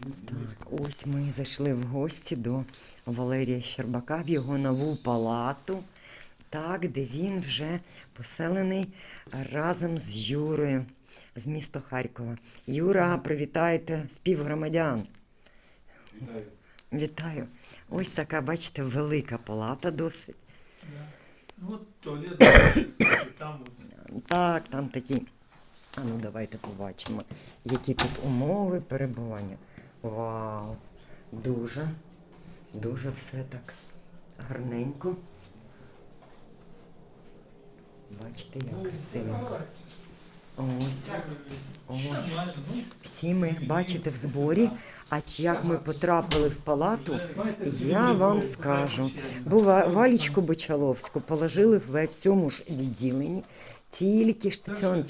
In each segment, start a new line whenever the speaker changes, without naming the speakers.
Так, ось ми зайшли в гості до Валерія Щербака в його нову палату, так, де він вже поселений разом з Юрою з міста Харкова. Юра, привітайте співгромадян.
Вітаю.
Вітаю. Ось така, бачите, велика палата досить.
Ну от туалет, там от.
Так, там такі. А ну давайте побачимо, які тут умови перебування. Вау! Дуже, дуже все так гарненько. Бачите, як красиво. Ось, ось. Всі ми, бачите, в зборі. А як ми потрапили в палату, я вам скажу. Бо Валічку Бочаловську положили в цьому ж відділенні. Тільки штаціон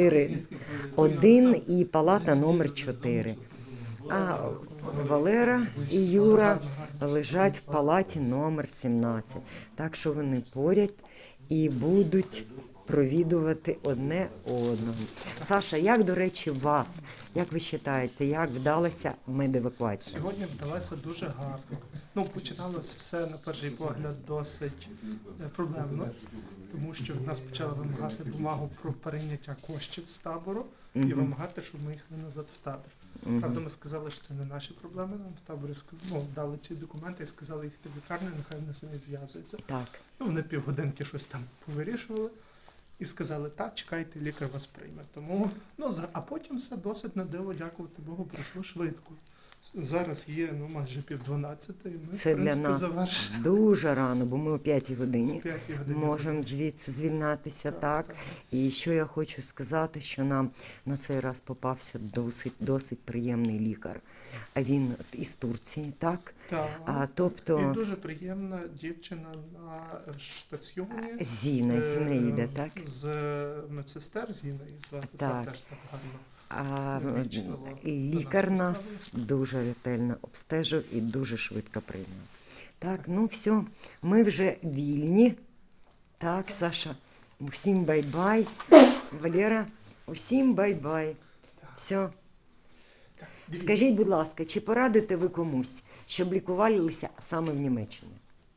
4-1 і палата номер 4. А Валера і Юра лежать в палаті номер 17. Так що вони поряд і будуть провідувати одне одного. Саша, як, до речі, вас? Як ви вважаєте, як вдалася медевакуація?
Сьогодні вдалося дуже гарно. Ну, починалось все, на перший погляд, досить проблемно, тому що нас почали вимагати бумагу про перейняття коштів з табору і вимагати, щоб ми їхали назад в табір. Правда, ми сказали, що це не наші проблеми, нам в таборі дали ці документи і сказали їхати в лікарню, нехай вони самі зв'язуються.
Так.
Ну, вони півгодинки щось там повирішували. І сказали, так, чекайте, лікар вас прийме. Тому, а потім все досить на диво, дякувати Богу, пройшло швидко. Зараз є майже 11:30, і ми,
Це
в принципі,
для нас
завершили.
дуже рано, бо ми о 5 годині
О 5 годині
можемо звідси звільнатися, так. І що я хочу сказати, що нам на цей раз попався досить приємний лікар. А він із Турції, так?
Так.
Тобто
І дуже приємна дівчина на штаціоні.
Зіна йде, так?
З медсестер Зіною звати,
Так.
теж так гарно.
А
Вічливо
лікар
до нас
нас дуже ретельно обстежив і дуже швидко прийняв. Так, ну все, ми вже вільні. Так, Саша, усім бай-бай. Валера, усім бай-бай. Все. Скажіть, будь ласка, чи порадите ви комусь, щоб лікувалися саме в Німеччині?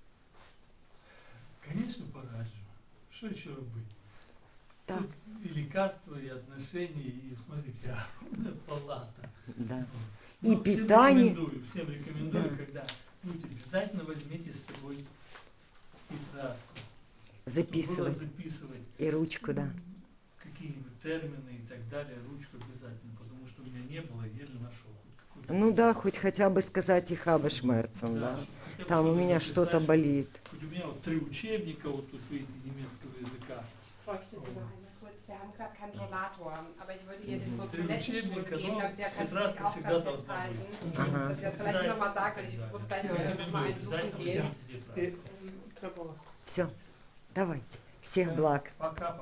Конечно, пораджу. Что еще робити?
Так,
Тут и лекарства, и отношения, и, смотрите, огромная палата.
да.
Ну,
И питание.
Всем рекомендую,
Да.
когда будете, обязательно возьмите с собой тетрадку. Чтобы было
Записувати.
записывать
І ручку, да.
какие-нибудь термины и так далее, ручку обязательно, потому что у меня не было, еле нашел. Хоть какую-то
Ну да, хоть хотя бы сказать и хаба шмерцем, да.
чтобы хотя бы
Там у
что-то
меня
записать,
что-то болит.
Хоть у меня вот 3 учебника вот тут, видите, немецкого языка.
Bräuchte sie noch einmal kurz. Wir haben gerade keinen Rollator, aber ich würde hier den so
Три
Toilettenstuhl
учебника,
geben,
но
damit der kann sich
тетрадка
auch
всегда
dran
должна быть.
festhalten.
Ага.
Dass ich das vielleicht nochmal sage, weil ich muss gleich nochmal einen suchen
Обязательно
gehen.
возьмите тетрадку.
І треба вас
Все, давайте. Всех благ.
Пока.